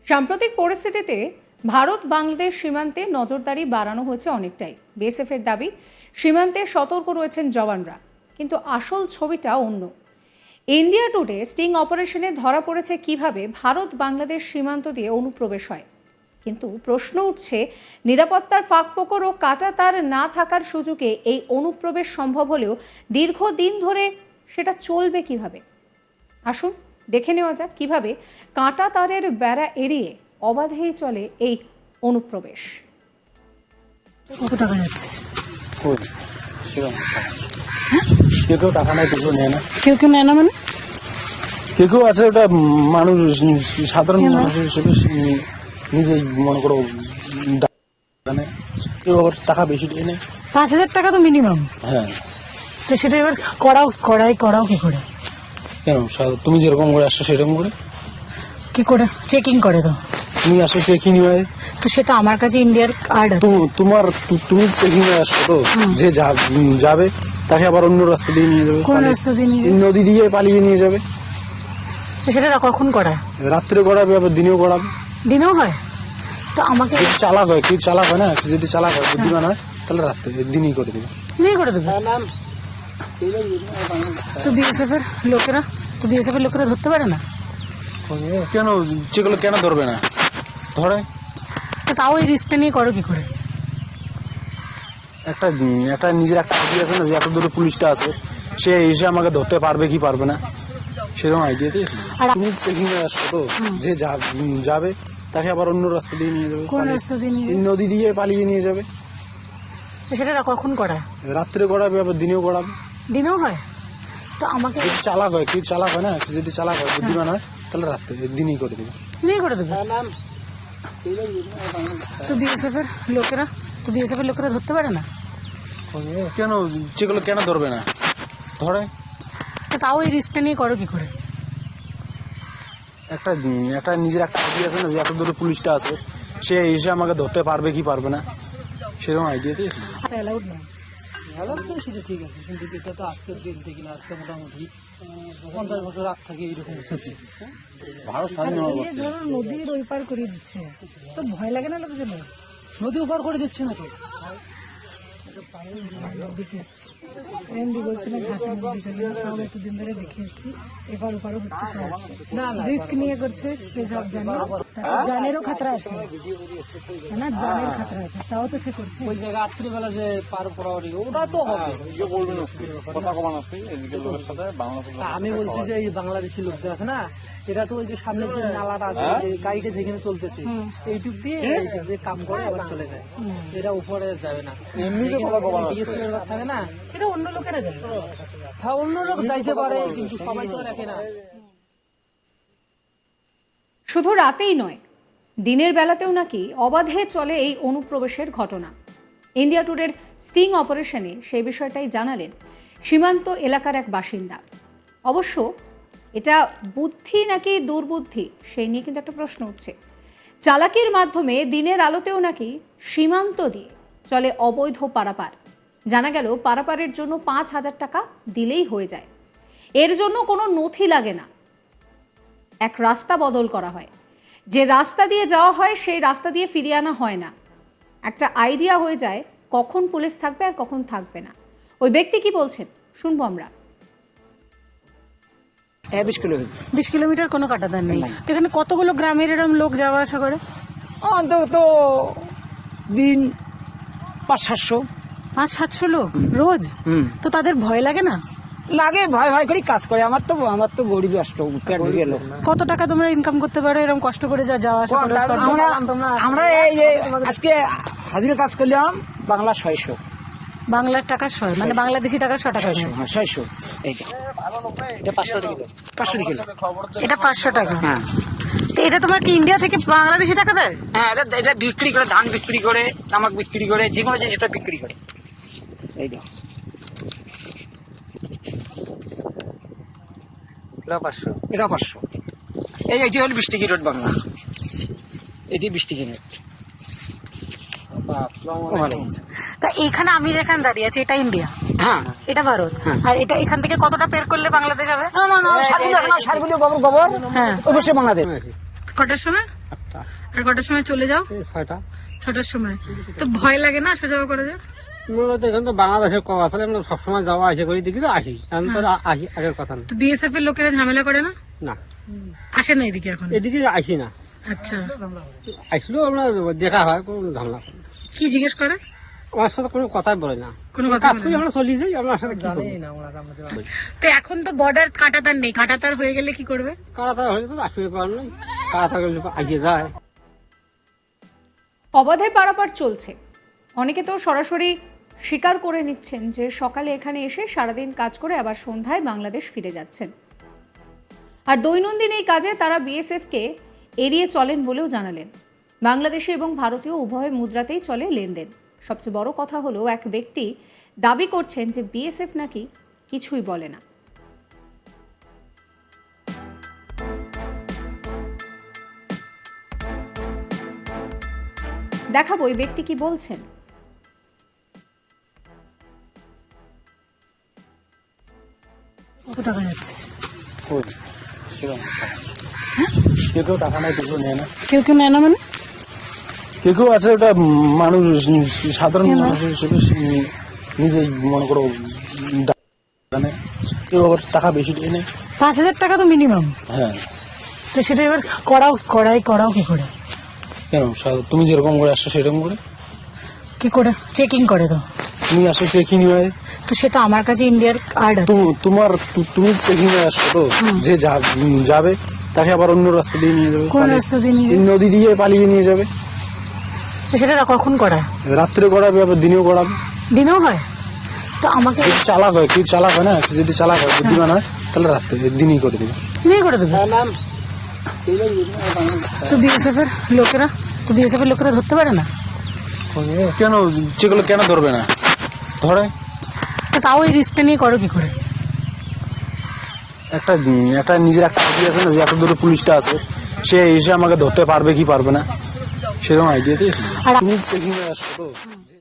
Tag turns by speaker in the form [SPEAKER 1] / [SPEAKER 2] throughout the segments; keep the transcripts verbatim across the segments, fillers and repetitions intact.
[SPEAKER 1] সাম্প্রতিক পরিস্থিতিতে ভারত বাংলাদেশ সীমান্তে নজরদারি বাড়ানো হয়েছে অনেকটাই। বিএসএফ এর দাবি, সীমান্তে সতর্ক রয়েছেন জওয়ানরা, কিন্তু আসল ছবিটা অন্য। ইন্ডিয়া টুডে স্টিং অপারেশনে ধরা পড়েছে কিভাবে ভারত বাংলাদেশ সীমান্ত দিয়ে অনুপ্রবেশ হয়। কিন্তু প্রশ্ন উঠছে, নিরাপত্তার ফাঁকফোকর ও কাঁটাতার না থাকার সুযোগে এই অনুপ্রবেশ সম্ভব হলেও দীর্ঘদিন ধরে সেটা চলবে কিভাবে। আসুন দেখে নেওয়া যাক কিভাবে কাঁটা তারের বেড়া এড়িয়ে অবাধেই চলে এই অনুপ্রবেশ।
[SPEAKER 2] কত টাকা যাচ্ছে?
[SPEAKER 3] কেউ কেউ টাকা নেয়, কেউ কেউ নেয় না।
[SPEAKER 2] কেউ কেউ নেয় না মানে
[SPEAKER 3] কেউ কেউ আছে ওটা মানুষ, সাধারণ মানুষ হিসেবে নিজেই মনে করো জানে, কেউ আবার টাকা বেশি দিয়ে নেয়।
[SPEAKER 2] পাঁচ হাজার টাকা তো মিনিমাম।
[SPEAKER 3] হ্যাঁ,
[SPEAKER 2] তো সেটা এবার করাও করাই করাও কি করে?
[SPEAKER 3] কেন তুমি যেরকম করে আসছো সেরকম করে
[SPEAKER 2] কি করে চেকিং করে? তো
[SPEAKER 3] তুমি আসো চেকিং হয়,
[SPEAKER 2] তো সেটা আমার কাছে ইন্ডিয়ার কার্ড আছে।
[SPEAKER 3] তোমার তুমি চেকিং হয়ে আসছো, তো যে যাবে তাকে আবার অন্য রাস্তা দিয়ে নিয়ে যাবে।
[SPEAKER 2] কোন রাস্তা দিয়ে নিয়ে যাবে?
[SPEAKER 3] নদী দিয়ে পালিয়ে নিয়ে যাবে।
[SPEAKER 2] তো সেটা কখন করায়?
[SPEAKER 3] রাত্রে করাবে, আবার দিনেও করাবে।
[SPEAKER 2] দিনেও হয়? তো আমাকে
[SPEAKER 3] চালাক হয়, কেউ চালাক হয় না, যদি চালাক হয় বুদ্ধিমান হয় তাহলে রাত্রে দিনই করে দেবে।
[SPEAKER 2] দিনেই করে দেবে। তো বিএসএফ এর লোকেরা তো বিএসএফ এর লোকেরা ধরতে পারে না
[SPEAKER 3] কেন? যেগুলো কেন ধরবে না? ধরে।
[SPEAKER 2] তো তাও এই রিস্কটা নিয়ে করো কি করে?
[SPEAKER 3] একটা একটা নিজের একটা আইডিয়া আছে না, যে এত দূরে পুলিশটা আছে, সে এসে আমাকে ধরতে পারবে কি পারবে না, সেরকম আইডিয়া দিয়ে তুমি চেকিং এ আসছো, তো যে যাবে তাকে আবার অন্য রাস্তা দিয়ে নিয়ে যাবে।
[SPEAKER 2] কোন রাস্তা দিয়ে নিয়ে যাবে?
[SPEAKER 3] নদী দিয়ে পালিয়ে নিয়ে যাবে।
[SPEAKER 2] তো সেটা কখন করায়?
[SPEAKER 3] রাত্রে করাবে, আবার দিনেও করাবে।
[SPEAKER 2] দিনেও হয়? তো আমাকে
[SPEAKER 3] চালাক হয়, কেউ চালাক হয় না, যদি চালাক হয় বুদ্ধিমান হয় তাহলে রাত্রে দিনই করে দেবে।
[SPEAKER 2] দিনেই করে দেবে। তো বিএসএফ এর লোকেরা তো বিএসএফ এর লোকেরা ধরতে পারে না
[SPEAKER 3] কেন? যেগুলো কেন ধরবে না? ধরে।
[SPEAKER 2] তো তাও এই রিস্কটা নিয়ে করো কি করে?
[SPEAKER 3] একটা একটা নিজের একটা আইডিয়া আছে না, যে এত দূরে পুলিশটা আছে, সে এসে আমাকে ধরতে পারবে কি পারবে না, সেরকম আইডিয়া দিয়ে
[SPEAKER 2] অ্যালাউড না।
[SPEAKER 4] সেটা ঠিক আছে, কিন্তু এটা তো আজকের দিন থেকে না, আজকে মোটামুটি পঞ্চাশ বছর আগ থেকে এইরকম হচ্ছে।
[SPEAKER 3] ভারত স্বাধীন হওয়ার পর থেকে।
[SPEAKER 2] ধরো নদীর ওই পার করে দিচ্ছে, তো ভয় লাগে না লোকজন?
[SPEAKER 4] নদী উপার করে দিচ্ছে না তো।
[SPEAKER 2] এমডি বলছিল ঘাসের নদী চলে না, তাহলে এতদিন ধরে দেখে এসছি এপার ওপারও হচ্ছে।
[SPEAKER 4] না না,
[SPEAKER 2] রিস্ক নিয়ে করছে, সে সব জানে, জানেরও খাতরা আছে না, জানের খাতরা আছে, তাও তো সে করছে।
[SPEAKER 4] ওই জায়গায় রাত্রিবেলা যে পার পড়াওয়ারি, ওটা তো হবে। আমি বলছি যে এই বাংলাদেশি লোক যে আছে না, এটা তো ওই যে সামনের যে নালাটা আছে, যে গাড়িটা যেখানে চলতেছে এইটুক দিয়ে এইটুক দিয়ে কাম করে আবার চলে যায়, এরা উপরে যাবে না। থাকে না,
[SPEAKER 2] সেটা অন্য লোকেরা জানে।
[SPEAKER 4] হ্যাঁ, অন্য লোক যাইতে পারে, কিন্তু সবাই তো রাখে না।
[SPEAKER 1] শুধু রাতেই নয়, দিনের বেলাতেও নাকি অবাধে চলে এই অনুপ্রবেশের ঘটনা। ইন্ডিয়া টুডের স্টিং অপারেশনে সেই বিষয়টাই জানালেন সীমান্ত এলাকার এক বাসিন্দা। অবশ্য এটা বুদ্ধি নাকি দুর্বুদ্ধি, সেই নিয়ে কিন্তু একটা প্রশ্ন উঠছে। চালাকির মাধ্যমে দিনের আলোতেও নাকি সীমান্ত দিয়ে চলে অবৈধ পারাপার। জানা গেল পারাপারের জন্য পাঁচ হাজার টাকা দিলেই হয়ে যায়। এর জন্য কোনো নথি লাগে না, এক রাস্তা বদল করা হয়, যে রাস্তা দিয়ে যাওয়া হয় সেই রাস্তা দিয়ে ফিরিয়ে আনা হয় না। একটা আইডিয়া হয়ে যায় কখন পুলিশ থাকবে আর কখন থাকবে না। ওই ব্যক্তি কি বলছেন শুনবো আমরা।
[SPEAKER 4] বিশ কিলোমিটার
[SPEAKER 2] বিশ কিলোমিটার কোনো কাটাতার নেই। এখানে কতগুলো গ্রামের এরকম লোক যাওয়া আসা করে?
[SPEAKER 4] অন্তত দিন পাঁচ সাতশো
[SPEAKER 2] পাঁচ সাতশো লোক রোজ। তো তাদের ভয় লাগে না?
[SPEAKER 4] লাগে, ভয় ভয় করে কাজ করে। আমার তো আমার তো গরিব রাষ্ট্র, পেট ঢুকে লোক।
[SPEAKER 2] কত টাকা তোমরা ইনকাম করতে পারো এরকম কষ্ট করে যা যাওয়া আসা করে?
[SPEAKER 4] আমরা আমরা এই যে আজকে হাজিরা কাজ করলাম বাংলা ছয়শো।
[SPEAKER 2] বাংলার টাকা ছয়, মানে বাংলাদেশি টাকা ছয় টাকা।
[SPEAKER 4] ছয়শো, হ্যাঁ ছয়শো। এইটা এটা পাঁচশো টাকা, পাঁচশো কিলো।
[SPEAKER 2] এটা পাঁচশো টাকা।
[SPEAKER 4] হ্যাঁ,
[SPEAKER 2] তো এটা তোমার কি ইন্ডিয়া থেকে বাংলাদেশি টাকা দেয়?
[SPEAKER 4] হ্যাঁ, এটা এটা বিক্রি করে, ধান বিক্রি করে, তামাক বিক্রি করে, যে কোনো জিনিস এটা বিক্রি করে। এই দাও, এটা পাঁচশো, এটা পাঁচশো। এই এটি হল বিশ টিকি রোড বাংলা, এটি বিশ টিকি রোড।
[SPEAKER 2] তা এখানে আমি যেখানে দাঁড়িয়ে আছি এটা ইন্ডিয়া,
[SPEAKER 4] হ্যাঁ
[SPEAKER 2] এটা ভারত, আর এটা এখান থেকে কতটা পের করলে বাংলাদেশ হবে?
[SPEAKER 4] না না না, সারগুলো সারগুলো গোবর গোবর,
[SPEAKER 2] হ্যাঁ,
[SPEAKER 4] অবশ্যই বাংলাদেশ।
[SPEAKER 2] কটার সময়?
[SPEAKER 5] আটটা
[SPEAKER 2] আর কটার সময় চলে যাও?
[SPEAKER 5] এই ছয়টা।
[SPEAKER 2] ছটার সময়। তো ভয় লাগে না আসা যাওয়া করে যায়?
[SPEAKER 5] মূলত এখানে তো বাংলাদেশের কম আসলে আমরা সবসময় যাওয়া আসে করি, দেখি তো আসি, এখন তো আর আসি আগের কথা না।
[SPEAKER 2] তো বিএসএফ এর লোকেরা ঝামেলা করে না?
[SPEAKER 5] না,
[SPEAKER 2] আসে না এদিকে এখন?
[SPEAKER 5] এদিকে আসি না,
[SPEAKER 2] আচ্ছা,
[SPEAKER 5] আসলেও আমরা দেখা হয়, কোনো ঝামেলা করে না।
[SPEAKER 2] কি জিজ্ঞেস করে?
[SPEAKER 5] আমার সাথে কোনো কথাই বলে না,
[SPEAKER 2] কোনো কথা
[SPEAKER 5] কাজ
[SPEAKER 2] বলে
[SPEAKER 5] করি
[SPEAKER 2] না?
[SPEAKER 5] আমরা চলি যাই, আমার সাথে কি করবো?
[SPEAKER 4] জানেই না ওনারা আমাদের
[SPEAKER 2] তো এখন তো বর্ডার কাটাতার নেই, কাটাতার হয়ে গেলে কি করবে?
[SPEAKER 5] কারাতার হলে তো আসবে পার নয়, কারাতার আগিয়ে যায়।
[SPEAKER 1] অবাধে পারাপার চলছে। অনেকে তো সরাসরি স্বীকার করে নিচ্ছেন যে সকালে এখানে এসে সারাদিন কাজ করে আবার সন্ধ্যায় বাংলাদেশ ফিরে যাচ্ছেন। আর দৈনন্দিন এই কাজে তারা বিএসএফকে এড়িয়ে চলেন বলেও জানালেন। বাংলাদেশি এবং ভারতীয় উভয় মুদ্রাতেই চলে লেনদেন। সবচেয়ে বড় কথা হলো, এক ব্যক্তি দাবি করছেন যে বিএসএফ নাকি কিছুই বলে না। দেখাবো ওই ব্যক্তি কি বলছেন।
[SPEAKER 2] কত টাকা যাচ্ছে?
[SPEAKER 3] কই? সেরকম। কেউ কেউ টাকা নেয়, কেউ কেউ নেয় না।
[SPEAKER 2] কেউ কেউ নেয় না মানে?
[SPEAKER 3] কেউ কেউ আছে ওটা মানুষ, সাধারণ মানুষ হিসেবে নিজেই মনে করো জানে, কেউ আবার টাকা বেশি দিয়ে নেয়।
[SPEAKER 2] পাঁচ হাজার টাকা তো মিনিমাম।
[SPEAKER 3] হ্যাঁ,
[SPEAKER 2] তো সেটা এবার করাও করাই করাও কি করে?
[SPEAKER 3] কেন সা- তুমি যেরকম করে আসছো সেরকম করে
[SPEAKER 2] কি করে চেকিং করে? তো
[SPEAKER 3] তুমি আসো চেকিং হয়,
[SPEAKER 2] তো সেটা আমার কাছে ইন্ডিয়ার কার্ড আছে।
[SPEAKER 3] তু- তোমার তু- তুমি চেকিং হয়ে আসছো, তো যে যা- উম, যাবে তাকে আবার অন্য রাস্তা দিয়ে নিয়ে যাবে,
[SPEAKER 2] কোন
[SPEAKER 3] পালিয়ে-
[SPEAKER 2] রাস্তা দিয়ে নিয়ে
[SPEAKER 3] এই নদী দিয়ে পালিয়ে নিয়ে যাবে।
[SPEAKER 2] তো সেটা কখন করায়?
[SPEAKER 3] রাত্রে করাবে, আবার দিনেও করাবে।
[SPEAKER 2] দিনেও হয়? তো আমাকে
[SPEAKER 3] যদি চালাক হয়, কেউ চালাক হয় না, কেউ যদি চালাক হয়, বুদ্ধিমান হয়, তাহলে রাত্রে দিনই করে দেবে।
[SPEAKER 2] নিয়ে করে দেবে। তো বিএসএফ এর লোকেরা তো বিএসএফ এর লোকেরা ধরতে পারে না?
[SPEAKER 3] কেন যেগুলো কেন ধরবে না? ধরে
[SPEAKER 2] তো তাও এই রিস্কটা নিয়ে করো কি করে?
[SPEAKER 3] একটা একটা নিজের একটা আইডিয়া আছে না, যে এত দূরে পুলিশটা আছে, সে এসে আমাকে ধরতে পারবে কি পারবে না, সেরকম আইডিয়া দিয়েছে।
[SPEAKER 2] আর
[SPEAKER 3] তুমি চেকিং হয়ে আসছো, তো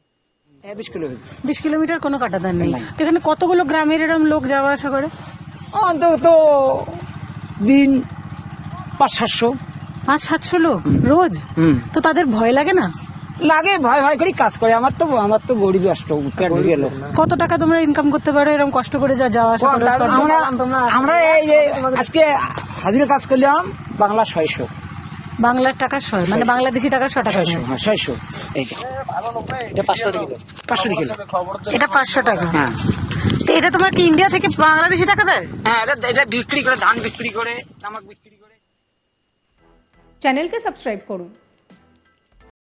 [SPEAKER 2] বিশ কিলোমিটার কোনো কাটাতার নেই। তো এখানে কতগুলো গ্রামের এরকম লোক যাওয়া আসা করে?
[SPEAKER 6] অন্তত দিন পাঁচ সাতশো
[SPEAKER 2] পাঁচ সাতশো লোক রোজ? তো তাদের ভয় লাগে না?
[SPEAKER 6] লাগে, ভয় ভয় করে কাজ করে। আমার তো আমার তো গরিব রাষ্ট্র, পেট ভরে গেল।
[SPEAKER 2] কত টাকা তোমরা ইনকাম করতে পারো এরকম কষ্ট করে যা যাওয়া আসা করে?
[SPEAKER 6] আমরা আমরা এই যে আজকে হাজিরা কাজ করলাম বাংলা ছয়শো,
[SPEAKER 2] বাংলার টাকা ছয়, মানে বাংলাদেশি টাকা ছয় টাকা
[SPEAKER 6] ছয়শো, হ্যাঁ ছয়শো। এইটা এটা পাঁচশো কিলো, পাঁচশো কিলো।
[SPEAKER 2] এটা পাঁচশো টাকা।
[SPEAKER 6] হ্যাঁ
[SPEAKER 2] তো এটা তোমার কি ইন্ডিয়া থেকে বাংলাদেশি টাকা দেয়?
[SPEAKER 6] হ্যাঁ, এটা এটা বিক্রি করে, ধান বিক্রি করে, তামাক বিক্রি করে।
[SPEAKER 1] চ্যানেলকে সাবস্ক্রাইব করুন।